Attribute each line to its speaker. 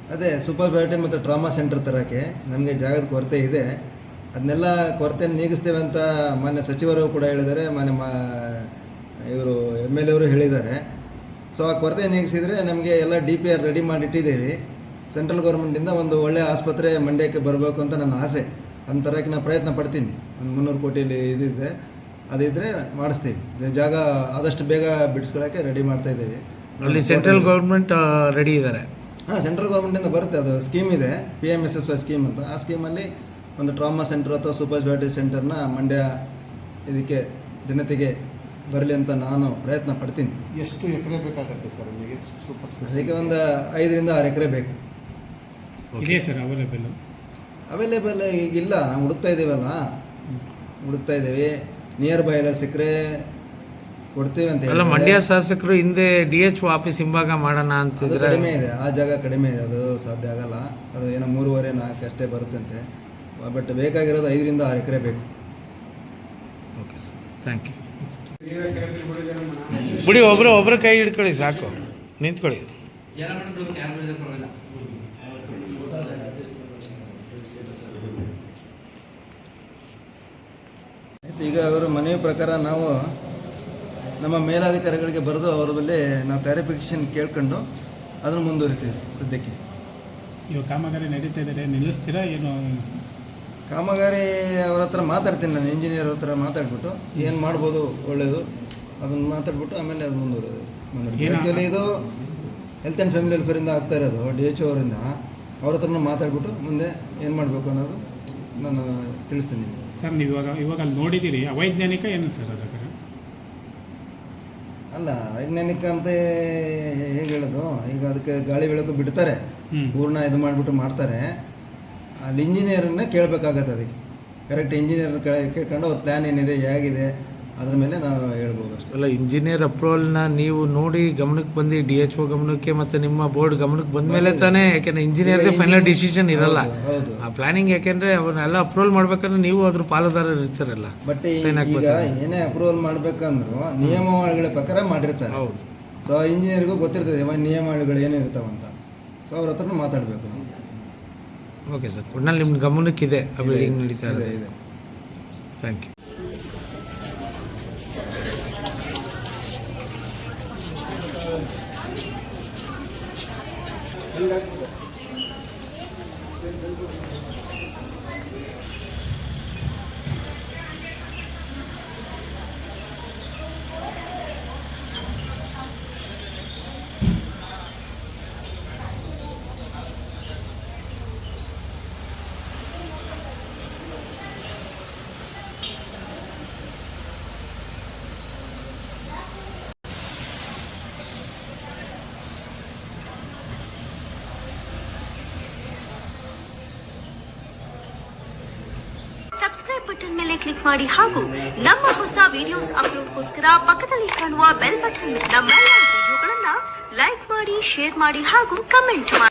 Speaker 1: ಅದೇ super speciality ಮತ್ತು trauma centre ತರೋಕ್ಕೆ ನಮಗೆ ಜಾಗದ ಕೊರತೆ ಇದೆ. ಅದನ್ನೆಲ್ಲ ಕೊರತೆ ನೀಗಿಸ್ತೇವೆ ಅಂತ ಮಾನ್ಯ ಸಚಿವರು ಕೂಡ ಹೇಳಿದ್ದಾರೆ, ಇವರು MLA ಅವರು ಹೇಳಿದ್ದಾರೆ. ಸೊ ಆ ಕೊರತೆ ನೀಗಿಸಿದರೆ ನಮಗೆ ಎಲ್ಲ DPR ರೆಡಿ ಮಾಡಿಟ್ಟಿದ್ದೀವಿ. ಸೆಂಟ್ರಲ್ ಗೌರ್ಮೆಂಟಿಂದ ಒಂದು ಒಳ್ಳೆಯ ಆಸ್ಪತ್ರೆ ಮಂಡ್ಯಕ್ಕೆ ಬರಬೇಕು ಅಂತ ನನ್ನ ಆಸೆ. ಅದನ್ನ ತರೋಕ್ಕೆ ನಾನು ಪ್ರಯತ್ನ ಪಡ್ತೀನಿ. ಒಂದು 300 ಕೋಟಿಯಲ್ಲಿ ಇದಿದೆ, ಅದಿದ್ದರೆ ಮಾಡಿಸ್ತೀವಿ. ಜಾಗ ಆದಷ್ಟು ಬೇಗ ಬಿಡಿಸ್ಕೊಳ್ಳೋಕ್ಕೆ ರೆಡಿ ಮಾಡ್ತಾ ಇದ್ದೀವಿ.
Speaker 2: ಅಲ್ಲಿ ಸೆಂಟ್ರಲ್ ಗೌರ್ಮೆಂಟ್ ರೆಡಿ ಇದ್ದಾರೆ.
Speaker 1: ಹಾಂ, ಸೆಂಟ್ರಲ್ ಗೌರ್ಮೆಂಟಿಂದ ಬರುತ್ತೆ, ಅದು ಸ್ಕೀಮ್ ಇದೆ, PMSSY ಸ್ಕೀಮ್ ಅಂತ. ಆ ಸ್ಕೀಮಲ್ಲಿ ಒಂದು ಟ್ರಾಮಾ ಸೆಂಟರ್ ಅಥವಾ ಸೂಪರ್ ಸ್ಪೆಷಾಲಿಟಿ ಸೆಂಟರ್ನ ಮಂಡ್ಯ ಇದಕ್ಕೆ ಜನತೆಗೆ ಬರಲಿ ಅಂತ ನಾನು ಪ್ರಯತ್ನ ಪಡ್ತೀನಿ.
Speaker 3: ಎಷ್ಟು ಎಕರೆ ಬೇಕಾಗುತ್ತೆ ಸರ್ ಅಲ್ಲಿಗೆ?
Speaker 1: ಅದಕ್ಕೆ ಒಂದು 5 ರಿಂದ 6 ಎಕರೆ ಬೇಕು.
Speaker 4: ಇದೆ ಸರ್
Speaker 1: ಅವೈಲೇಬಲ್ ಈಗಿಲ್ಲ, ನಾವು ಹುಡುಕ್ತಾ ಇದ್ದೀವಿ. ನಿಯರ್ ಬೈ ಎಲ್ಲ ಸಿಕ್ಕರೆ ಕೊಡ್ತೀವಿ ಅಂತ
Speaker 2: ಅಲ್ಲ, ಮಂಡ್ಯ ಶಾಸಕರು ಹಿಂದೆ DHO ಆಫೀಸ್ ಹಿಂಭಾಗ ಮಾಡೋಣ ಅಂತಿದ್ರೆ
Speaker 1: ಕಡಿಮೆ ಇದೆ, ಆ ಜಾಗ ಕಡಿಮೆ ಇದೆ, ಅದು ಸಾಧ್ಯ ಆಗಲ್ಲ. ಅದು ಏನೋ 3.5-4 ಅಷ್ಟೇ ಬರುತ್ತಂತೆ. ಬಟ್ ಬೇಕಾಗಿರೋದು 5 ರಿಂದ 6 ಎಕರೆ ಬೇಕು.
Speaker 2: Okay sir, thank you. ಬಿಡಿ, ಒಬ್ಬರು ಕೈ ಹಿಡ್ಕೊಳ್ಳಿ ಸಾಕು, ನಿಂತ್ಕೊಳ್ಳಿ.
Speaker 1: ಈಗ ಅವರು ಮನವಿ ಪ್ರಕಾರ ನಾವು ನಮ್ಮ ಮೇಲಾಧಿಕಾರಿಗಳಿಗೆ ಬರೆದು ಅವರ ಬಳಿ ನಾವು ಕ್ಲಾರಿಫಿಕೇಶನ್ ಕೇಳ್ಕೊಂಡು ಅದನ್ನು ಮುಂದುವರಿತೀವಿ. ಸದ್ಯಕ್ಕೆ
Speaker 4: ಇವಾಗ ಕಾಮಗಾರಿ ನಡೀತಾ ಇದ್ದಾರೆ, ನಿಲ್ಲಿಸ್ತೀರಾ ಏನು?
Speaker 1: ಕಾಮಗಾರಿ ಅವ್ರ ಹತ್ರ ಮಾತಾಡ್ತೀನಿ, ನಾನು ಇಂಜಿನಿಯರ್ ಹತ್ರ ಮಾತಾಡ್ಬಿಟ್ಟು ಏನು ಮಾಡ್ಬೋದು ಒಳ್ಳೆಯದು ಅದನ್ನು ಮಾತಾಡ್ಬಿಟ್ಟು ಆಮೇಲೆ ಅದು ಮುಂದುವರೆದು. ಆ್ಯಕ್ಚುಲಿ ಇದು ಹೆಲ್ತ್ ಆ್ಯಂಡ್ ಫ್ಯಾಮಿಲಿ ವೆಲ್ಫೇರಿಂದ ಆಗ್ತಾ ಇರೋದು, DHO ಅವರಿಂದ. ಅವ್ರ ಹತ್ರನೂ ಮಾತಾಡ್ಬಿಟ್ಟು ಮುಂದೆ ಏನು ಮಾಡಬೇಕು ಅನ್ನೋದು ನಾನು ತಿಳಿಸ್ತೀನಿ.
Speaker 4: ಸರ್, ನೀವು ಇವಾಗ ಅಲ್ಲಿ ನೋಡಿದ್ದೀರಿ, ಅವೈಜ್ಞಾನಿಕ ಏನು ಸರ್ ಅದಕ್ಕೆ?
Speaker 1: ಅಲ್ಲ, ವೈಜ್ಞಾನಿಕ ಅಂತ ಹೇಗೆ ಹೇಳೋದು, ಈಗ ಅದಕ್ಕೆ ಗಾಳಿ ಬೆಳಕು ಬಿಡ್ತಾರೆ, ಪೂರ್ಣ ಇದು ಮಾಡಿಬಿಟ್ಟು ಮಾಡ್ತಾರೆ. ಅಲ್ಲಿ ಇಂಜಿನಿಯರನ್ನ ಕೇಳಬೇಕಾಗತ್ತೆ. ಅದಕ್ಕೆ ಕರೆಕ್ಟ್ ಇಂಜಿನಿಯರ್ನ ಕೇಳ್ಕೊಂಡು ಅವ್ರ ಪ್ಲ್ಯಾನ್ ಏನಿದೆ, ಹೇಗಿದೆ, ಅದ್ರ ಮೇಲೆ ನಾವು ಹೇಳ್ಬೋದು ಅಷ್ಟೇ.
Speaker 2: ಅಲ್ಲ, ಇಂಜಿನಿಯರ್ ಅಪ್ರೂವಲ್ನ ನೀವು ನೋಡಿ ಗಮನಕ್ಕೆ ಬಂದು DHO ಗಮನಕ್ಕೆ ಮತ್ತು ನಿಮ್ಮ ಬೋರ್ಡ್ ಗಮನಕ್ಕೆ ಬಂದ ಮೇಲೆ ತಾನೇ, ಯಾಕೆಂದರೆ ಇಂಜಿನಿಯರ್ಗೆ ಫೈನಲ್ ಡಿಸಿಷನ್ ಇರಲ್ಲ. ಆ ಪ್ಲಾನಿಂಗ್ ಯಾಕೆಂದರೆ ಅವನ್ನೆಲ್ಲ ಅಪ್ರೂವಲ್ ಮಾಡ್ಬೇಕಂದ್ರೆ ನೀವು ಅದ್ರ ಪಾಲುದಾರರು ಇರ್ತಾರಲ್ಲ.
Speaker 1: ಬಟ್ ಈಗ ಏನೇ ಅಪ್ರೂವಲ್ ಮಾಡ್ಬೇಕಂದ್ರೂ ನಿಯಮಾವಳಿಗಳ ಪ್ರಕಾರ ಮಾಡಿರ್ತಾರೆ.
Speaker 2: ಹೌದು.
Speaker 1: ಸೊ ಇಂಜಿನಿಯರ್ಗೂ ಗೊತ್ತಿರ್ತದೆ ನಿಯಮಾವಳಿಗಳು ಏನಿರ್ತಾವಂತ. ಸೊ ಅವ್ರ ಹತ್ರ ಮಾತಾಡಬೇಕು.
Speaker 2: ಓಕೆ ಸರ್, ಒಟ್ನಲ್ಲಿ ನಿಮ್ಮ ಗಮನಕ್ಕಿದೆ ಆ ಬಿಲ್ಡಿಂಗ್ ನಡೀತಾ ಇದೆ. Thank you.
Speaker 5: ಸಬ್ಸ್ಕ್ರೈಬ್ ಬಟನ್ ಮೇಲೆ ಕ್ಲಿಕ್ ಮಾಡಿ ಹಾಗೂ ನಮ್ಮ ಹೊಸ ವಿಡಿಯೋಸ್ ಅಪ್ಲೋಡ್ಗೋಸ್ಕರ ಪಕ್ಕದಲ್ಲಿ ಕಾಣುವ ಬೆಲ್ ಬಟನ್ ನಮ್ಮೆಲ್ಲ ವಿಡಿಯೋಗಳನ್ನ ಲೈಕ್ ಮಾಡಿ, ಶೇರ್ ಮಾಡಿ ಹಾಗೂ ಕಮೆಂಟ್ ಮಾಡಿ.